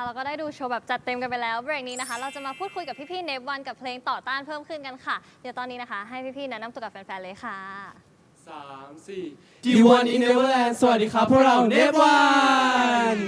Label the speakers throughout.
Speaker 1: เราก็ได้ดูโชว์แบบจัดเต็มกันไปแล้วเบรกนี้นะคะเราจะมาพูดคุยกับพี่ๆเนฟวันกับเพลงต่อต้านเพิ่มขึ้นกันค่ะเดี๋ยวตอนนี้นะคะให้พี่ๆแนะนำตัวกับแฟนๆเลยค่ะ
Speaker 2: 3 4 D1 in Neverland สวัสดีครับพวกเราเนฟวัน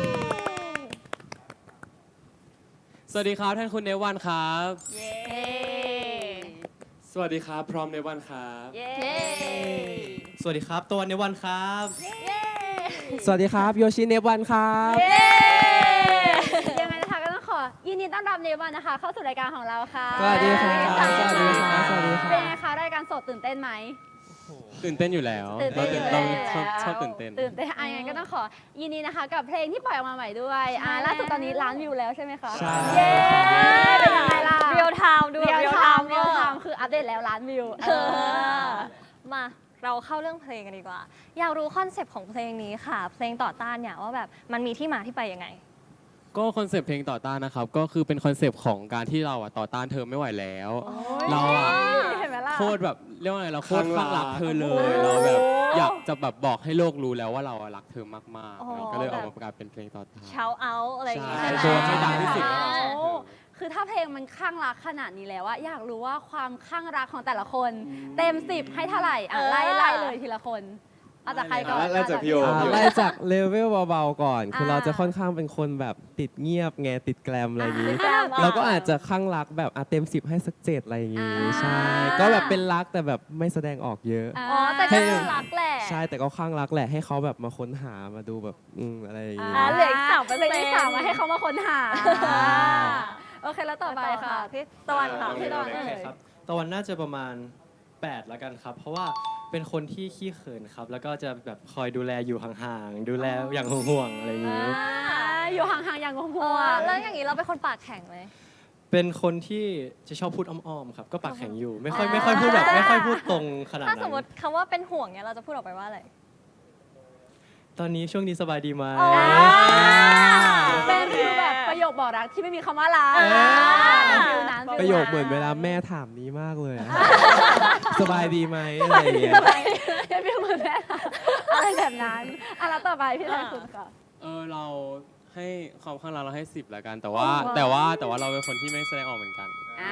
Speaker 2: สวัสดีครับท่านคุณเนฟวันครับ
Speaker 1: เย้
Speaker 2: สวัสดีครับพร้อมเนฟวันครับ
Speaker 1: เย้
Speaker 3: สวัสดีครับตะวันเนวันครับ
Speaker 1: เย้
Speaker 4: สวัสดีครับโยชิเนฟวันครับ
Speaker 1: เย้
Speaker 5: ยังไงนะคะก็ต้องขอยินดีต้อนรับเนวันนะคะ เข้าสู่รายการของเราค่ะ
Speaker 4: สวัสดีครับ
Speaker 5: สวัสดี
Speaker 4: สวัสดีครับสวัสดีครับ
Speaker 5: เป็นไงคะรายการสดตื่นเต้นไหม
Speaker 2: ตื่นเต้นอยู่แล้ว
Speaker 5: ตื่นเต้นอยู่
Speaker 2: เรา
Speaker 5: แล้ว
Speaker 2: ชอบตื่นเต้น
Speaker 5: ตื่นเต้นยังไงก็ต้องขอยินดีนะคะ กับเพลงที่ปล่อยออกมาใหม่ด้วยล่าสุดตอนนี้ล้านวิวแล้วใช่ไหมคะ
Speaker 4: ใช่
Speaker 5: เย้เป็นยังไงล่ะ
Speaker 1: เรียลไทม์ด้วย
Speaker 5: เรียลไทม์
Speaker 1: เรียลไทม์
Speaker 5: คืออัปเดตแล้วล้านวิว
Speaker 1: มาเราเข้าเรื่องเพลงกันดีกว่า อยากรู้คอนเซปต์ของเพลงนี้ค่ะ เพลงต่อต้านเนี่ยว่าแบบมันมีที่มาที่ไปยังไง
Speaker 2: ก็คอนเซปต์เพลงต่อต้านนะครับก็คือเป็นคอนเซปต์ของการที่เราต่อต้านเธอไม่ไหวแล้ว เรา
Speaker 5: เห็นไหมล่ะ
Speaker 2: โคตรแบบเรียกว่าไงเราโคตรคลั่งรักเธอเลยเราแบบอยากจะแบบบอกให้โลกรู้แล้วว่าเรารักเธอมาก
Speaker 1: อ๋อ
Speaker 2: ๆก็เลยออกมากลายเป็นเพลงต่อต้าน
Speaker 1: เช้าเอาอะไรอย่างงี้
Speaker 2: ใช่
Speaker 1: ใช่ไหม
Speaker 2: โชว์ให้ดังที่สุดว่าเราชอบเธอ
Speaker 5: คือถ้าเพลงมันคลั่งรักขนาดนี้แล้วอะอยากรู้ว่าความคลั่งรักของแต่ละคน เต็ม10ให้เท่าไหร่ไล่เลยทีละคนเอาจากใครก่อน
Speaker 3: ไล่จากพี่โอ
Speaker 4: ไล่จากเลเวลเบาๆก่อน คือ
Speaker 5: อ่า
Speaker 4: เราจะค่อนข้างเป็นคนแบบติดเงียบไงติดแกลมอะไรอย่างงี้
Speaker 1: แกรมอ่ะ
Speaker 4: เราก็อาจจะข้างรักแบบเต็ม10ให้สัก7อะไรอย่างงี้
Speaker 5: อ่า
Speaker 4: ใช่ ก็แบบเป็นรักแต่แบบไม่แสดงออกเยอะ
Speaker 1: อ๋อแต่ก็คือรักแหละ
Speaker 4: ใช่แต่ก็ข้างรักแหละให้เขาแบบมาค้นหามาดูแบบอะไรอย่างงี้
Speaker 1: เหลืออีก3%
Speaker 5: เหลืออีก3มาให้เขามาค้นหาโอเคแล้วต่อไปค่ะ
Speaker 1: พี่ตะวันค่ะ
Speaker 5: พี่ตะวัน
Speaker 3: โอเคครับตะวันน่าจะประมาณ8แล้วกันครับ เพราะว่าเป็นคนที่ขี้เขินครับ แล้วก็จะแบบคอยดูแลอยู่ห่างๆดูแลอย่างห่วงๆอะไรอย่างนี้
Speaker 5: อยู่ห่างๆอย่างห่วง
Speaker 1: แล้วอย่างนี้เราเป็นคนปากแข็งไหม
Speaker 3: เป็นคนที่จะชอบพูดอ้อมๆครับก็ปากแข็งอยู่ไม่ค่อยพูดแบบไม่ค่อยพูดตรงขนาด
Speaker 1: ถ้า
Speaker 3: นั้
Speaker 1: ส
Speaker 3: น
Speaker 1: มมติคำว่าเป็นห่วงเนี่ยเราจะพูดออกไปว่าอะไร
Speaker 3: ตอนนี้ช่วงนี้สบายดีไหม
Speaker 5: เป็นฟิลแบบประโยคบอกรักที่ไม่มีคำว่าลาฟิลนั้น
Speaker 4: ประโยคเหมือนเวลาแม่ถามนี้มากเลยอะ สบายดีไหมอะไรอย่างเงี้ย
Speaker 5: เป็นฟิลเหมือนแม่อะไรแบบนั้นแล้วต่อไปพี่ชายคุณค่ะ
Speaker 2: เราให้ความข้างรักเราให้10แล้วกัน แต่ว่าเราเป็นคนที่ไม่แสดงออกเหมือนกัน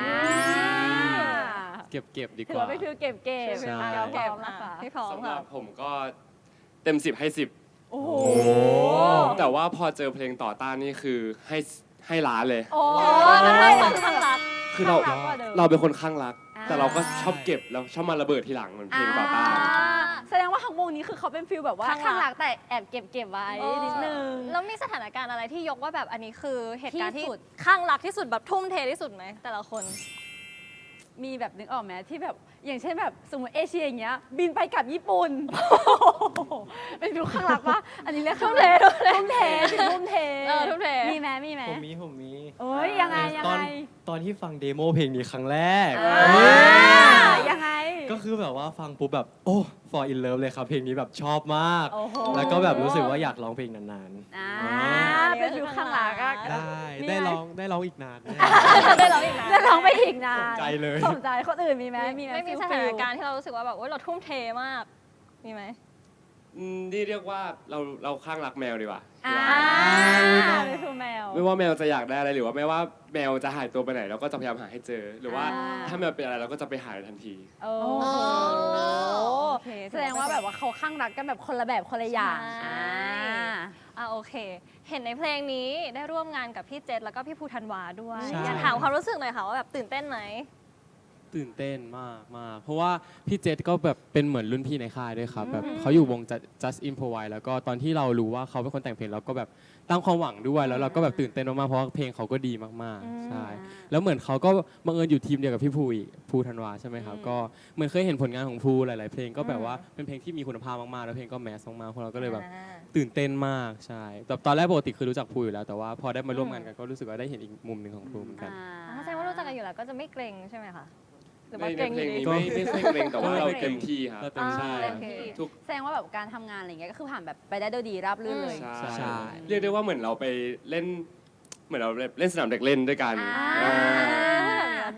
Speaker 2: เก็บดีก
Speaker 5: ถือ
Speaker 2: ว่า
Speaker 5: ว่าเป็นฟิลเก็บเก็บ
Speaker 2: ใช่
Speaker 5: เก็บนะคะ
Speaker 1: พี่พร้อม
Speaker 6: สำห
Speaker 1: ค่ะ
Speaker 6: รับผมก็เต็ม10ให้10
Speaker 5: โอ้โห
Speaker 6: แต่ว่าพอเจอเพลงต่อต้านนี่คือให้ล้านเลย
Speaker 5: โอ้
Speaker 1: มันให้ความข้างรัก
Speaker 6: คือเรา
Speaker 5: ข้างรักกว่าเดิม
Speaker 6: เราเป็นคนข้างรัก
Speaker 5: อ่า
Speaker 6: แต่เราก็ชอบเก็บแล้วชอบมาระเบิดทีหลังเหมือนเพลงต่อต้าน
Speaker 5: แสดงว่าทั้งวงนี้คือเขาเป็นฟิลแบบว่า
Speaker 1: ข้างรัก
Speaker 5: ข้างหลักแต่แอบเก็บไว้นิดนึง
Speaker 1: แล้วมีสถานการณ์อะไรที่ยกว่าแบบอันนี้คือเหตุการณ์ที่
Speaker 5: ที่สุด
Speaker 1: ข้างรักที่สุดแบบทุ่มเทที่สุดไหมแต่ละคน
Speaker 5: มีแบบนึกออกไหมที่แบบอย่างเช่นแบบสมมติเอเชียอย่างเงี้ยบินไปกับญี่ปุ่น เป็นฟิลข้างหลักปะอันนี้เรียกทุ่มเททุ่มเททุ่มเท
Speaker 1: ทุ่มเท
Speaker 5: มีไหม
Speaker 3: ผมมี
Speaker 5: เอ้ยยังไง
Speaker 3: ตอนที่ฟังเดโมเพลงนี้ครั้งแรก
Speaker 5: ยังไง
Speaker 3: ก็คือแบบว่าฟังปุ๊บแบบโอ้ for in love เลยครับเพลงนี้แบบชอบมาก
Speaker 5: โอ้โห
Speaker 3: แล้วก็แบบรู้สึกว่าอยากร้องเพลงนาน
Speaker 5: เป็นฟิลข้างหลักอะ
Speaker 4: ได้ร้องอีกนานแน่
Speaker 1: ได้ร้องอีกนะ
Speaker 5: จะร้องไปอีกนาน
Speaker 3: ๆใจเลย
Speaker 5: สนใจคนอื่นมีไหมมีไหม
Speaker 1: ไม่มี
Speaker 5: ฟิล
Speaker 1: สถานการณ์ที่เรารู้สึกว่าแบบโอ๊ยเราทุ่มเทมาก มีไหม
Speaker 6: นี่เรียกว่าเราข้างรักแมวดีกว่า
Speaker 5: เป็นฟิลแมว
Speaker 6: ไม่ว่าแมวจะอยากได้อะไรหรือว่าไม่ว่าแมวจะหายตัวไปไหนเราก็จะพยายามหาให้เจอ หรือว่า
Speaker 5: อ่า
Speaker 6: ถ้าแมวเป็นอะไรเราก็จะไปหาทันที
Speaker 5: โอ้
Speaker 1: โอ้
Speaker 5: โอ
Speaker 1: โอ
Speaker 5: เค
Speaker 1: เค
Speaker 5: แสดงว่าแบบว่าเขาข้างรักกันแบบคนละแบบคนละอย่าง
Speaker 1: ใช่โอเค เห็นในเพลงนี้ได้ร่วมงานกับพี่เจษแล้วก็พี่ภูธันวาด้วย
Speaker 4: ใช่
Speaker 1: อยากถามความรู้สึกหน่อยค่ะว่าแบบตื่นเต้นไหม
Speaker 2: ตื่นเต้นมากเพราะว่าพี่เจษก็แบบเป็นเหมือนรุ่นพี่ในค่ายด้วยครับแบบเขาอยู่วง Just Improvise แล้วก็ตอนที่เรารู้ว่าเขาเป็นคนแต่งเพลงเราก็แบบตั้งความหวังด้วยแล้วเราก็แบบตื่นเต้นมากๆเพราะว่าเพลงเขาก็ดีมากๆใช่แล้วเหมือนเขาก็บังเอิญอยู่ทีมเดียวกับพี่ภูอีกภูธันวาใช่ไหมครับก็เหมือนเคยเห็นผลงานของภูหลายๆเพลงก็แบบว่าเป็นเพลงที่มีคุณภาพมากๆแล้วเพลงก็แมสมากๆพวกเราก็เลยแบบตื่นเต้นมากใช่แบบตอนแรกปกติคือรู้จักภูอยู่แล้วแต่ว่าพอได้มาร่วมงานกันก็รู้สึกว่าได้เห็นอีกมุมหนึ่งของภูเหมือนกัน
Speaker 1: ถ้าแสดงว่ารู้จักกันอยู่แล้วก็จะไม่เกรงใช่ไหมคะหรือ
Speaker 6: ใน
Speaker 1: ว่า
Speaker 6: ใน
Speaker 1: เกรง
Speaker 6: เพ
Speaker 1: อ
Speaker 6: ลง
Speaker 1: ยู่
Speaker 6: นี้
Speaker 1: ดี
Speaker 6: ไม่ค่อยเกรงแต่ว่าเราเต็มที่ครับ
Speaker 2: เราเต็มที่
Speaker 6: ใช่
Speaker 5: เต็มที่
Speaker 6: ทุก
Speaker 5: แสดงว่าแบบการทำงานอะไรเงี้ยก็คือผ่านแบบไปได้ด้วยดีราบรื่นเลย
Speaker 6: ใช่ เรียกได้ว่าเหมือนเราไปเล่น เหมือนเราเล่นสนามเด็กเล่นด้วยกัน
Speaker 5: อ่า
Speaker 6: เออ
Speaker 1: ดี
Speaker 2: ใช่
Speaker 5: เป็น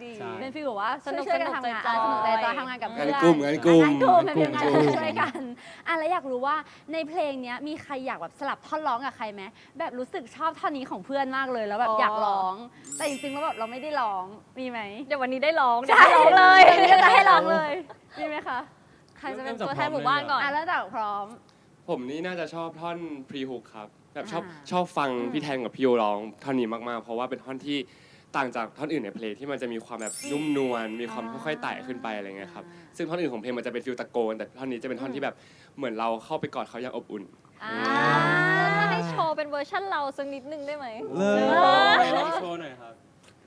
Speaker 5: เป็นฟีลแบบว่า
Speaker 1: สนุก
Speaker 5: ช่วยๆกันทำงาน
Speaker 1: จอยๆ
Speaker 5: สนุกใจจอยทำงานกับเพื่อน
Speaker 6: งานกลุ่มงานกลุ่ม
Speaker 5: งานกลุ่มเป็นงานช่วยกันแล้วอยากรู้ว่าในเพลงเนี้ยมีใครอยากแบบสลับท่อนร้องกับใครไหมแบบรู้สึกชอบท่อนนี้ของเพื่อนมากเลยแล้วแบบอยากร้อง แต่จริงๆแล้วแบบเราไม่ได้ร้องมีไหม
Speaker 1: เดี๋ยววันนี้ได้ร้อง
Speaker 5: ใช่
Speaker 1: ได้ร้องเลย
Speaker 5: ดี๋วจะให้ร้องเลยมีไหมคะ
Speaker 1: ใครจะเป็นตัวแทนหมู่บ้านก่อน
Speaker 5: แล้วจากพร้อม
Speaker 6: ผมนี่น่าจะชอบท่อนพรีฮุกครับแบบชอบ
Speaker 5: อ่า
Speaker 6: ชอบฟังพี่แทนกับพี่โยร้องท่อนนี้มากๆ เพราะว่าเป็นท่อนที่ต่างจากท่อนอื่นในเพลงที่มันจะมีความแบบนุ่มนวลมีความค่อยๆไต่ขึ้นไปอะไรเงี้ยครับซึ่งท่อนอื่นของเพลงมันจะเป็นฟิลตะโกนแต่ท่อนนี้จะเป็นท่อนที่แบบเหมือนเราเข้าไปกอดเขาอย่างอบอุ่น
Speaker 1: ถ้าให้โชว์เป็นเวอร์ชั่นเราสักนิดนึงได้ไหม
Speaker 4: เลย
Speaker 2: ลองโชว์หน่อยครับ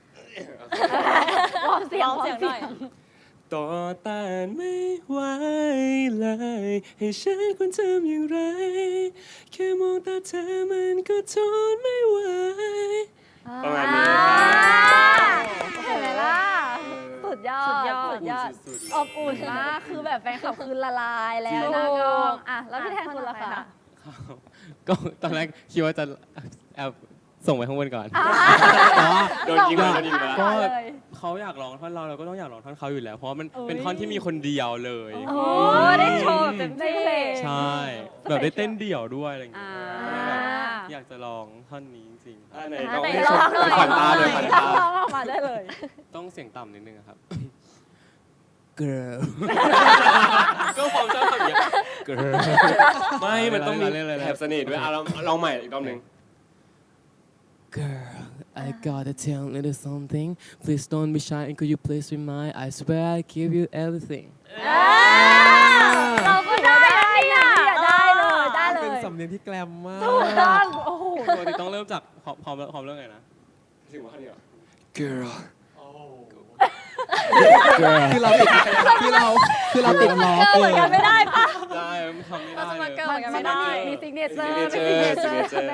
Speaker 5: วอร์มเสียง
Speaker 1: ลองเสียงหน่อย
Speaker 6: ต่อต้านไม่ไหวเลยให้ฉันควรทำอย่างไร แค่มองตาเธอมันก็ทนไม่ไหว ประมาณนี้
Speaker 5: เห็นไหมล่ะสุดยอด
Speaker 1: สุดยอด
Speaker 5: สุดยอด
Speaker 2: สุด
Speaker 5: อบอุ่นมากคือแบบแฟนคลับคือละลายแล้วหน้ากล้องอ่ะแล้วพี่แทนคุณล่ะคะ
Speaker 2: ก็ตอนแรกคิดว่าจะแอบส่งไปข้างบนก่อนแต่ว่า
Speaker 6: โดนยิงมาโดนยิงมาแล้ว
Speaker 2: ก็
Speaker 5: เลย
Speaker 2: เขาอยากร้องท่อนเราก็ต้องอยากร้องท่อนเขาอยู่แล้ว เพราะว่ามัน
Speaker 5: เอ้ย
Speaker 2: เป็นท่อนที่มีคนเดียวเลย
Speaker 5: โอ้
Speaker 1: ได้โชว์แบบเต็มที่
Speaker 2: ใช่ แบบได้เต้นเดี่ยวด้วยอะไรอย่างเงี้
Speaker 5: อ่าย
Speaker 2: ก็เลยแบบอยากจะร้องท่อนนี้จริงๆครับ
Speaker 6: ไหนลอง
Speaker 1: ไหน
Speaker 6: ให้
Speaker 1: ล
Speaker 6: ช
Speaker 1: อง
Speaker 6: ม
Speaker 1: หน่อย
Speaker 6: ขวัญตาเลยขวัญตา
Speaker 5: ร้องออกมาได้เลย
Speaker 2: ต้องเสียงต่ำนิดนึงอะครับ girl ก็ผมชอบทำอย่างเงี้ย girl
Speaker 6: ไม่มันต้องมี
Speaker 2: เล่นอะไร
Speaker 6: แถบเสน่ห์ด้วยอ่ะลองใหม่อีกรอบหนึ่ง
Speaker 2: Girl, I gotta tell you something. Please don't be shy and could you please be mine? I swear I give you everything.
Speaker 1: เราก็ได้เนี่ย
Speaker 5: ได้เลยได้เล
Speaker 4: เป็น
Speaker 5: ย
Speaker 4: สำเนียงที่แกลมมาก
Speaker 5: ถูกต้องโอ้โห
Speaker 2: ปกติต้องเริ่มจากพร้อมเริ่มไงนะ
Speaker 6: ถึงว่าเดียว Girl
Speaker 4: คือเราติดคือเราติดล้อ
Speaker 1: เกิดเหมือนกันไม่ได้ปะ
Speaker 2: ได้ทำไม่
Speaker 1: เรา
Speaker 2: ได้
Speaker 1: จะ
Speaker 2: เล
Speaker 1: มาย เกิดเหมือนกันไม่ได้
Speaker 5: มีซิกเนเจอร์
Speaker 6: มี
Speaker 5: มีซิกเน
Speaker 6: signature
Speaker 5: เจอร์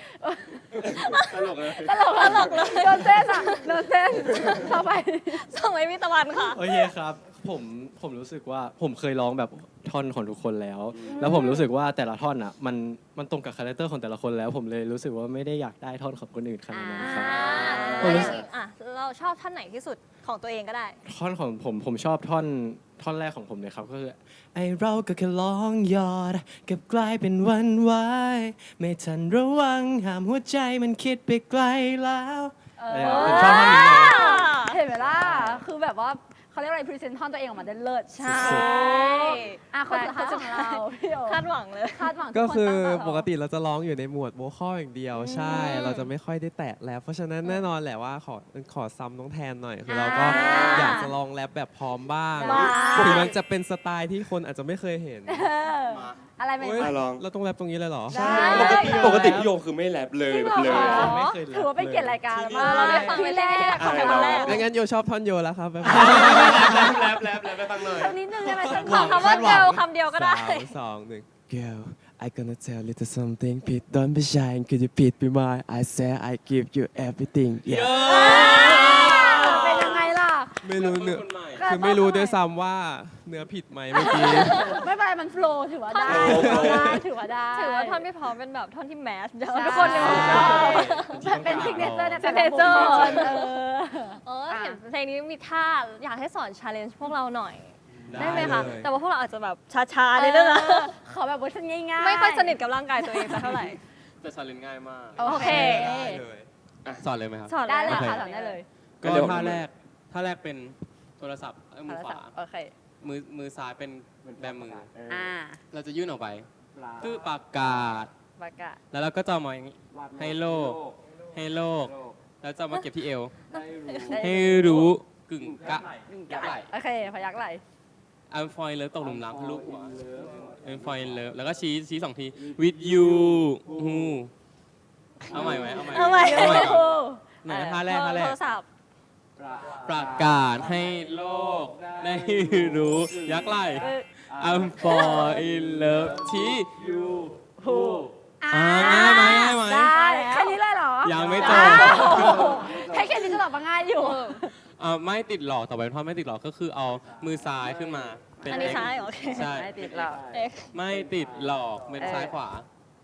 Speaker 6: signature
Speaker 2: ตลกเลย
Speaker 5: ตลกเลยโดนเส้นอ่ะโดนเส้นเข้าไป
Speaker 1: ส่งให้พี่ตะวันค่ะ
Speaker 3: โอเคครับผมรู้สึกว่าผมเคยร้องแบบท่อนของทุกคนแล้ว แล้วผมรู้สึกว่าแต่ละท่อนอ่ะมันตรงกับคาแรคเตอร์ของแต่ละคนแล้ว ผมเลยรู้สึกว่าไม่ได้อยากได้ท่อนของคนอื่นขนาดนั้นครับ
Speaker 1: แล้วอย่างนี้อ่ะเราชอบท่านไหนที่สุดของตัวเองก็ได้
Speaker 3: ท่อนของผมชอบท่อนแรกของผมเลยครับก็คือไอเราก็แค่ร้องยอดกับกลายเป็นวันวายไม่ทันระวังห้ามหัวใจมันคิดไปไกลแล้วผมชอบท่อนนี้เลย
Speaker 5: เห็นไหมล่ะ คือแบบว่าเขาเรียกอะไรพรีเซนต์ท่อนตัวเองออกมาได้เลิศ
Speaker 1: ใช่
Speaker 5: อ่ะคนสุดท้ายของเราพี่โอ
Speaker 1: คาดหวังเลย
Speaker 5: คาดหวัง
Speaker 4: ก็คือ
Speaker 5: ทุนตั้งตารอ
Speaker 4: ปกติเราจะร้องอยู่ในหมวดโวคอลอย่างเดียว ใช่ เราจะไม่ค่อยได้แตะแรปเพราะฉะนั้นแน่นอนแหละว่าขอซ้ำน้องแทนหน่อย คือเราก็อยากจะลองแรปแบบพร้อมบ้าง
Speaker 5: ว้าว
Speaker 4: ถึงมันจะเป็นสไตล์ที่คนอาจจะไม่เคยเห็น
Speaker 5: อะไรไหม
Speaker 4: เฮ้ย
Speaker 6: ลอง
Speaker 4: เราต้องแรปตรงนี้เลยเหรอ
Speaker 5: ได้
Speaker 6: ปกติพี่โยคือไม่แรปเลย
Speaker 5: จริง
Speaker 6: แบ
Speaker 5: เหร
Speaker 6: บ
Speaker 5: อ
Speaker 6: เลย
Speaker 5: คะ
Speaker 3: ไม่เคยแรป
Speaker 5: ถือว่าเป็นเกียรติรายการมาก
Speaker 1: เราได้ฟัง
Speaker 5: ที่แรก
Speaker 6: อ่ะ
Speaker 1: ครั้งแรก
Speaker 4: ไม่งั้นโยชอบท่อนโยแล้วครับแบบ
Speaker 6: แรปไปฟังหน่อย
Speaker 5: สักนิดนึงได้ไหมสัก
Speaker 1: ขอคำว่าเกลคำเดียวก็ได้
Speaker 4: 3, 2, 1 Girl I gonna tell you something Please don't be shy Could you please be mine I say I give you everything yeah
Speaker 5: เป็นยังไงล่ะ
Speaker 4: ไม่รู้เนื้อ
Speaker 2: คนใหม่
Speaker 4: คือไม่รู้ด้วยซ้ำว่าเนื้อผิดไหมเมื่อกี้
Speaker 5: ไม่เป็นไรมันโฟล์ถือว่าได้ ถือว่าได้
Speaker 1: ถือว่าท่อนพี่พร้อมเป็นแบบท่อนที่แมสเดี๋ยว
Speaker 5: ใช่
Speaker 1: ทุกคนในวงการ
Speaker 5: เป็นซิกเนเจอร์ในแต่ละ
Speaker 1: signature
Speaker 5: บุคคล
Speaker 1: เห็นเพลงนี้มีท่าอยากให้สอนชาเลนจ์พวกเราหน่อย ได้ไหมคะ
Speaker 4: เลย
Speaker 1: แต่ว่าพวกเราอาจจะแบบช้าๆในเรื่องนะ
Speaker 5: ขอแบบเวอร์ชันง่ายๆ
Speaker 1: ไม่ค่อยสนิทกับร่างกายตัวเองสักเท่าไหร่
Speaker 2: แต่ชาเลนจ์ง่ายมาก
Speaker 5: โอเค
Speaker 4: ได้เลย
Speaker 2: สอนเลยไหมครับ
Speaker 1: สอน
Speaker 5: ได้เลย
Speaker 2: โอเค
Speaker 5: ค่ะสอนได้เลย
Speaker 2: ก็
Speaker 6: เดี๋ยว
Speaker 2: ท่าแรกเป็นโทรศัพท์มือขวา
Speaker 5: โอเค
Speaker 2: มือซ้ายเป็นแบมือ
Speaker 5: อ่า
Speaker 2: เราจะยื่นออกไปคือปากกาศ
Speaker 5: ปากกา
Speaker 2: แล้วเราก็จะเอามาอย่างนี้ให้โลก แล้วจะเอามาเก็บที่เอว ให้รู้กึ่งกะยักไหล
Speaker 5: โอเคพยักไหล
Speaker 2: I'm fall in love ตกหลุมรักทะลุหัว I'm fall in love แล้วก็ชี้2ที with you ฮูเอาใหม่ไหม
Speaker 1: เอาใหม่
Speaker 2: เอาใหม่ก่อนไหนท่าแรก
Speaker 1: โทรศัพท์
Speaker 2: ประกาศให้โลกได้รู้ยักไหล I'm fall in love ชี้ you who ง่ายไหม
Speaker 5: ได้แค่นี้เลยเหรอ
Speaker 2: ยังไม่จบ
Speaker 5: แค่นี้ก็ตอบว่าง่ายอยู่
Speaker 2: ไม่ติดหลอกต่อไปเป็นท่อนไม่ติดหลอกก็คือเอามือซ้ายขึ้นมาเป็น
Speaker 1: อันนี้
Speaker 2: X
Speaker 1: ซ้ายเหรอโอเค
Speaker 2: ใช่
Speaker 5: ไม่ติดหรอก
Speaker 1: เอ๊ะ
Speaker 2: ไม่ติดหลอกเป็นซ้ายขวา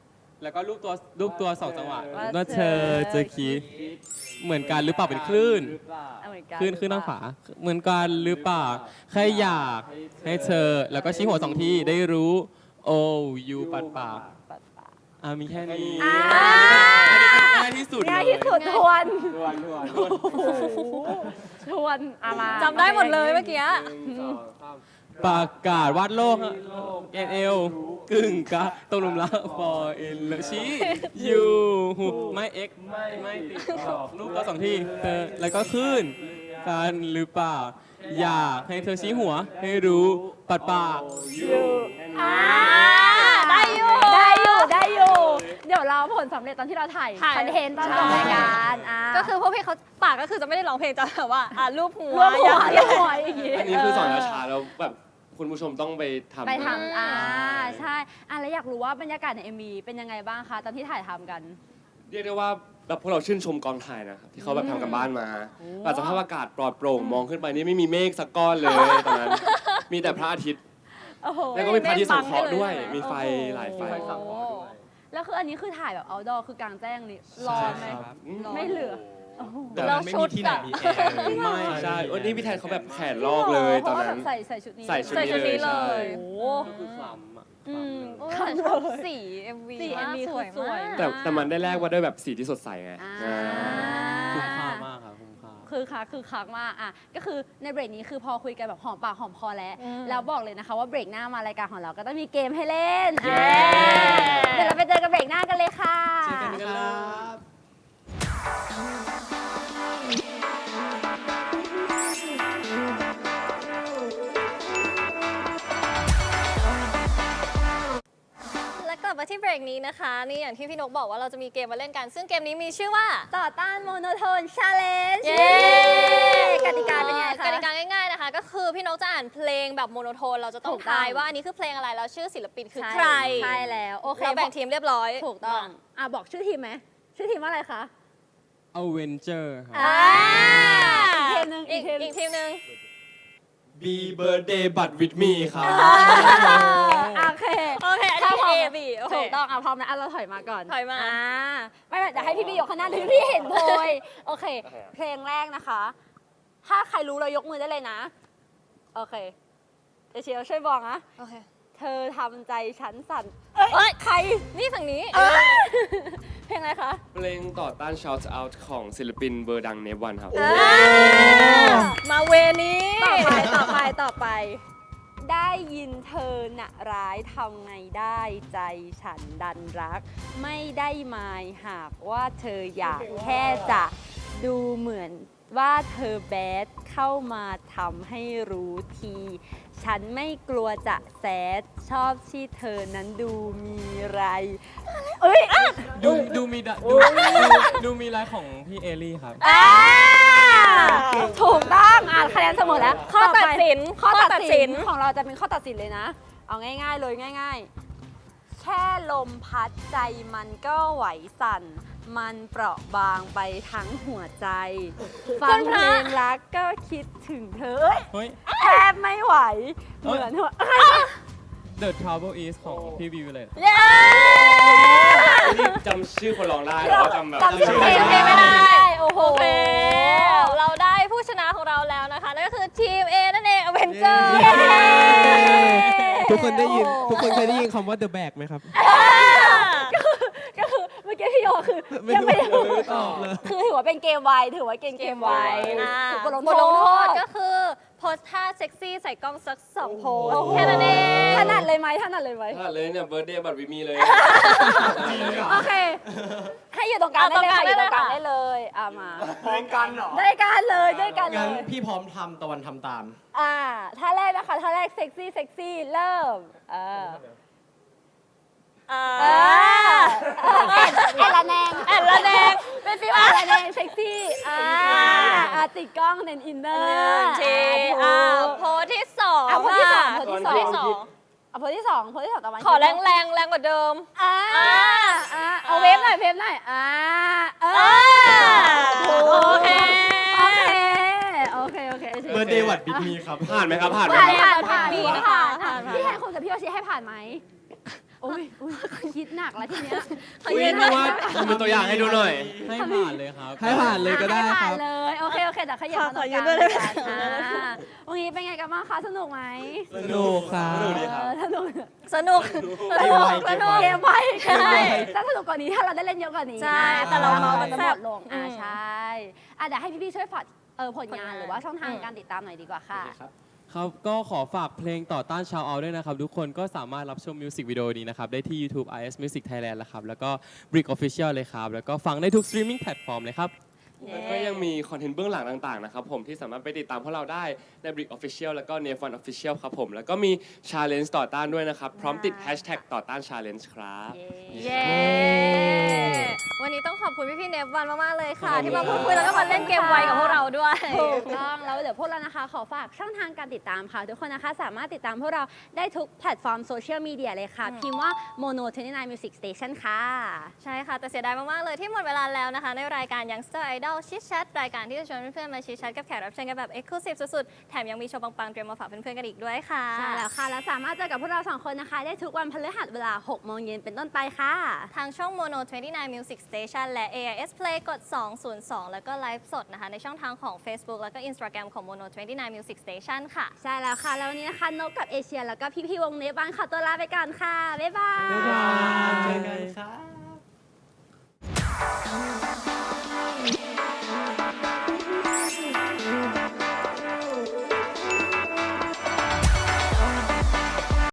Speaker 2: แล้วก็รูปตัวสองจังหวะ
Speaker 5: ว่า
Speaker 2: ว่า
Speaker 5: เธ
Speaker 2: เธ
Speaker 5: อ
Speaker 2: อจะคิดเหมือนกันหรือเปล่าเป็นคลื่น
Speaker 5: เอาเหมือนกัน
Speaker 2: คลื่นทางขวาเหมือนกันหรือเปล่าแค่อยากให้เธอ แล้วก็ชี้หัว2 ทีได้รู้โอ้ยูปัดปาก
Speaker 5: ปัดปาก
Speaker 2: มีแค่นี้
Speaker 5: อ่า
Speaker 2: อันนี้เป็นง่ายที่สุด
Speaker 5: ง่ายที่สุดทวน
Speaker 2: ทวน
Speaker 5: ทวนอามา
Speaker 1: จำได้หมดเลยเมื่อกี้
Speaker 2: ประกาศวาดโลกแกนเอลกึ่งกะตกหลุมรัก for in love ชี้ยูไม่เอ็กไม่ติดรูปตัว2 ทีเธอแล้วก็ขึ้นกันหรือเปล่าอยากให้เธอชี้หัวให้รู้ปัดปาก
Speaker 1: ได้อยู่
Speaker 5: ได้อยู่ได้อยู่ เดี๋ยวเราผลสำเร็จตอนที่เราถ่าย
Speaker 1: ถ่าย
Speaker 5: คอนเทนต์ตอนจบรายการ
Speaker 1: ก็คือพวกพี่เขาปากก็คือจะไม่ได้ร้องเพลงจะแบบว่ารูปหัว
Speaker 5: รวมหัว
Speaker 1: อย่าง
Speaker 5: รวมหัวอย่างงี้
Speaker 6: อันนี้คือสอนช้าๆแล้วแบบคุณผู้ชมต้องไปทำ
Speaker 5: ไปทำใช่แล้วอยากรู้ว่าบรรยากาศใน MV เป็นยังไงบ้างคะตอนที่ถ่ายทำกัน
Speaker 6: เรียกได้ว่าแบบพวกเราชื่นชมกองถ่ายนะครับที่เขาแบบทำกันบ้านมาอาจจะสภาพอากาศปลอดโปร่งมองขึ้นไปนี่ไม่มีเมฆสักก้อนเลยตอนนั้นมีแต่พระอาทิตย์
Speaker 5: โอ้โห
Speaker 6: แล้วก็มีพระอาทิตย์สังเคราะห์ด้วย มีไฟ
Speaker 5: โอ้โห
Speaker 6: หลายไฟ
Speaker 5: แล้วคืออันนี้คือถ่ายแบบ outdoor คือกลางแจ้งนี่ร้อนไหม
Speaker 2: ครับ
Speaker 5: ไม่เหลือ
Speaker 6: แต่
Speaker 1: เรา
Speaker 3: ไม่
Speaker 1: ชุ
Speaker 3: มี
Speaker 1: ด
Speaker 3: ที่ไหน
Speaker 1: อะ
Speaker 3: มีแอร์เลย
Speaker 6: ไม่ใช่วันนี้พี่แทนเขาแบบแขนลอกเลยตอนนั้น
Speaker 5: ใส่ชุดนี้
Speaker 6: ใส่ชุด
Speaker 1: ใส่ชุดนี้เลย
Speaker 5: โอ้
Speaker 2: ก็คือคล้ำอะค
Speaker 5: อื
Speaker 2: ล้ำ
Speaker 5: ม
Speaker 2: เลย
Speaker 1: โอ้แต่ชอบสี MV
Speaker 5: สี
Speaker 1: มาก
Speaker 5: MV
Speaker 1: สวย
Speaker 5: คือสวย
Speaker 1: มาก
Speaker 6: แต่มันได้แลกว่าด้วยแบบสีที่สดใสไง
Speaker 5: อ่า
Speaker 2: คุ้มค่ามากครับคุ้มค่า
Speaker 5: คือคักมากก็คือในเบรกนี้คือพอคุยกันแบบหอมปากหอมคอแล้ว
Speaker 1: อืม
Speaker 5: แล้วบอกเลยนะคะว่าเบรกหน้ามารายการของเราก็ต้องมีเกมให้เล่น
Speaker 6: เย้
Speaker 5: เดี๋ยวเราไปเจอกันเบรกหน้ากันเลยค่ะ
Speaker 2: เจอกันครับ
Speaker 1: และกลับมาที่เบรกนี้นะคะ นี่อย่างที่พี่นกบอกว่าเราจะมีเกมมาเล่นกัน ซึ่งเกมนี้มีชื่อว่า
Speaker 5: ต่อต้านโมโนโทนชาเลนจ์
Speaker 1: เย้
Speaker 5: กติกาเป็นยังไงคะ
Speaker 1: กติกาง่ายๆนะคะ ก็คือพี่นกจะอ่านเพลงแบบโมโนโทน เราจะต้อง
Speaker 5: ถูกต้อง
Speaker 1: ทายว่าอันนี้คือเพลงอะไรแล้วชื่อศิลปินคือ
Speaker 5: ใช่
Speaker 1: ใคร
Speaker 5: ใช่แล้วโอเค
Speaker 1: เราแบ่งทีมเรียบร้อย
Speaker 5: ถูกต้องบอกชื่อทีมไหมชื่อทีมว่าอะไรคะ
Speaker 2: Avenger ครับ
Speaker 5: อีกทีมหนึ่ง
Speaker 1: อีกทีมหนึ่ง
Speaker 6: Be birthday but with me ครับ
Speaker 5: โอเค
Speaker 1: โอเค อันนี้ A B โอเค
Speaker 5: ถูกต้องพร้อมนะเราถอยมาก่อน
Speaker 1: ถอยมา
Speaker 5: ไม่เดี๋ยวให้พี่ยกข้างหน้าเดี๋ยวพี่เห็นโพยโอเค เพลงแรกนะคะ ถ้าใครรู้เรายกมือได้เลยนะ โอเคเอเชียช่วยบอกนะ
Speaker 1: โอเค
Speaker 5: เธอทำใจฉันสั่น
Speaker 1: เอ้ย ใคร นี่ฝั่งนี้
Speaker 5: เพลงอะไรคะ
Speaker 6: เพลงต่อต้าน shout out ของศิลปินเบอร์ดังเนฟวันครับ
Speaker 1: มาเวนี้
Speaker 5: ต่อไป ได้ยินเธอน่ะร้ายทำไงได้ใจฉันดันรัก ไม่ได้หมายหากว่าเธออยากแค่จะดูเหมือนว่าเธอแบดเข้ามาทำให้รู้ที ฉันไม่กลัวจะแซดชอบที่เธอนั้นดูมีไรเอ้ย
Speaker 2: ดูมีดูมีไลฟ์ของพี่เอลี่ครับ
Speaker 5: ถูกต้องคะแนนเสมอแล้ว
Speaker 1: ข้อตัดสิน
Speaker 5: ข้อตัดสิน
Speaker 1: ข้อตัดสิน
Speaker 5: ของเราจะเป็นข้อตัดสินเลยนะ เอาง่ายๆเลยง่าย ๆ แค่ลมพัดใจมันก็ไหวสั่น มันเปราะบางไปทั้งหัวใจ ฟังเพลงรักก็คิดถึงเธอเอ้ย
Speaker 2: เฮ้ย
Speaker 5: แทบไม่ไหว เหมือนหัว
Speaker 2: The Trouble Is ของพี่วิวเลย
Speaker 1: เย้
Speaker 6: นี่จำชื่อคนร้องได้แต่ว่าจำแบบ
Speaker 5: จำชื่อ
Speaker 1: เพลง
Speaker 5: ไม่
Speaker 1: ไม่
Speaker 5: ได้
Speaker 1: ได้
Speaker 5: โอ้โห
Speaker 1: โอเค เราได้ผู้ชนะของเราแล้วนะคะ นั่นก็คือทีม A นั่นเอง Avenger
Speaker 4: ทุกคนได้ยินทุกคนเคยได้ยินคำว่า The Bag ไหมครับ
Speaker 5: ก็คือเมื่อกี้พี่โยคือ
Speaker 4: ไม่
Speaker 5: ยังไม่ได้
Speaker 4: รู้ไม่ตอบเลย
Speaker 5: คือถือว่าเป็นเกมไวถือว่าเกมไว
Speaker 1: บ
Speaker 5: บ
Speaker 1: ท
Speaker 5: ท
Speaker 1: ล
Speaker 5: ล
Speaker 1: ง
Speaker 5: ง
Speaker 1: โท
Speaker 5: โท
Speaker 1: ษ
Speaker 5: ษ
Speaker 1: ก็คือโพสท่าเซ็กซี่ใส่กล้องสัก2โพส
Speaker 5: โอ้โห
Speaker 1: แค่นั้นเอง
Speaker 5: ถนัดเลยไหมถนัดเลยไหม
Speaker 6: ถ้าเลยเนี่ย birthday but with me เลย
Speaker 5: โอเค ให้อยู่ตรงกลางได้เลยค่ะอยู่ตรงกลางได้เลยมาด้วยกันเหรอด้วยกันเลยด้วยกันเล
Speaker 3: งั้น
Speaker 5: ย
Speaker 3: พี่พร้อมทำตะวันทำตาม
Speaker 5: ท่าแรกนะคะท่าแรกเซ็กซี่เริ่มแอนละแนงเป็นฟิวแอนละแนงเซ็กซี่ติดกล้องเน้นอินเนอร์
Speaker 1: โพสที่2
Speaker 5: โพสที่สอง
Speaker 1: โพส
Speaker 5: โพสที่
Speaker 1: ที่
Speaker 5: ส
Speaker 1: ส
Speaker 5: อ
Speaker 1: อง ง
Speaker 5: โพสที่สองตะวัน
Speaker 1: ขอแรงกว่าเดิม
Speaker 5: เอาเวฟหน่อย
Speaker 1: โอเค
Speaker 3: เบอร์เดย์วัดบิ๊กมีครับ
Speaker 6: ผ่านไหมครับ ผ่านไหม
Speaker 5: ผ่าน
Speaker 6: ครับ
Speaker 5: ผ่าน
Speaker 1: ดีนะคะ
Speaker 5: พี่แทนคุณกับพี่โอชิให้ผ่านไหมโอ้ยคิดหนักแล้วทีเนี้ย
Speaker 6: อุ้ยนึกว่าทำเป็นตัวอย่างให้ดูหน่อย
Speaker 2: ให้ผ่านเลยครับ
Speaker 4: ให้ผ่านเลยก็ได้
Speaker 5: ให้
Speaker 4: ค
Speaker 5: ผ่า
Speaker 4: รั
Speaker 5: น
Speaker 4: บ
Speaker 5: เลยโอเคแต่ขยับมาตรงกลาง
Speaker 1: ขอยืนด้วยได้ไหม
Speaker 5: วันนี้เป็นไงกันบ้างคะสนุกไหม
Speaker 4: สนุกครับ
Speaker 6: สนุกดีครับ
Speaker 5: สนุก
Speaker 1: สนุกสนุก
Speaker 5: เกมไว้
Speaker 1: ใช่
Speaker 5: ถ้าสนุกกว่านี้ถ้าเราได้เล่นเยอะกว่านี้
Speaker 1: ใช่แต่เราเมากัน
Speaker 5: จะ
Speaker 1: แซ่
Speaker 5: หม
Speaker 1: บ
Speaker 5: ดลงใช่เดี๋ยวให้พี่ๆช่วยฝากผลงานหรือว่าช่องทางการติดตามหน่อยดีกว่าค่ะ
Speaker 2: ครับก็ขอฝากเพลงต่อต้านชาวเอาด้วยนะครับ ทุกคนก็สามารถรับชมมิวสิกวิดีโอนี้นะครับ ได้ที่ YouTube IS Music Thailand แล้วครับ แล้วก็ Brick Official เลยครับ แล้วก็ฟังได้ทุก streaming platform เลยครับ
Speaker 6: แล้วก็ยังมีคอนเทนต์เบื้องหลังต่างๆนะครับผมที่สามารถไปติดตามพวกเราได้ใน Brick Official แล้วก็ n e f o n Official ครับผมแล้วก็มี Challenge ต่อต้านด้วยนะครับ พร้อมติด Hashtag ต่อต้าน Challenge ครับ
Speaker 1: เย้ วันนี้ต้องขอบคุณพี่ๆเนฟวันมากๆเลยค่ะ
Speaker 6: ขอบคุณ
Speaker 1: ที่มาพูดคุยแล้วก็มาเล่นเกมไวกับพวกเราด้วย
Speaker 5: ถูกต้องแล้วเดี๋ยวพวกเรานะคะขอฝากช่องทางการติดตามค่ะ ทุกคนนะคะสามารถติดตามพวกเราได้ทุกแพลตฟอร์มโซเชียลมีเดียเลยค่ะ พิมพ์ว่า Mono 29 Music Station ค่ะ
Speaker 1: ใช่ค่ะ แต่เสียดายมาก ๆ เลยที่หมดเวลาแล้วนะคะ ในรายการ Youngster Idol ชิดแชทรายการที่จะชวนเพื่อน ๆ มาชิดแชทกับแขกรับเชิญกันแบบ Exclusive สุด ๆ แถมยังมีโชว์ปัง ๆ เตรียมมาฝากเพื่อน ๆ กันอีกด้วยค่ะ
Speaker 5: ใช่แล้วค่ะ และสามารถเจอกับพวกเราสองคนนะคะ ได้ทุกวันพฤหัสเวลา 6 โมงเย็นเป็นต้นไปค่ะ
Speaker 1: ทางช่อง Mono 29 Music Station และ AIS Play กด 202 แล้วก็ไลฟ์สดนะคะ ในช่องทางของ Facebook แล้วก็ Instagram ของ Mono 29 Music Station ค่ะ
Speaker 5: ใช่แล้วค่ะ แล้ววันนี้นะคะนกกับเอเชียแล้วก็พี่ๆวงเนฟบ้านขอตัวลาไปก่อนค่ะ บ๊ายบาย
Speaker 3: บ๊ายบายเจอกันครับ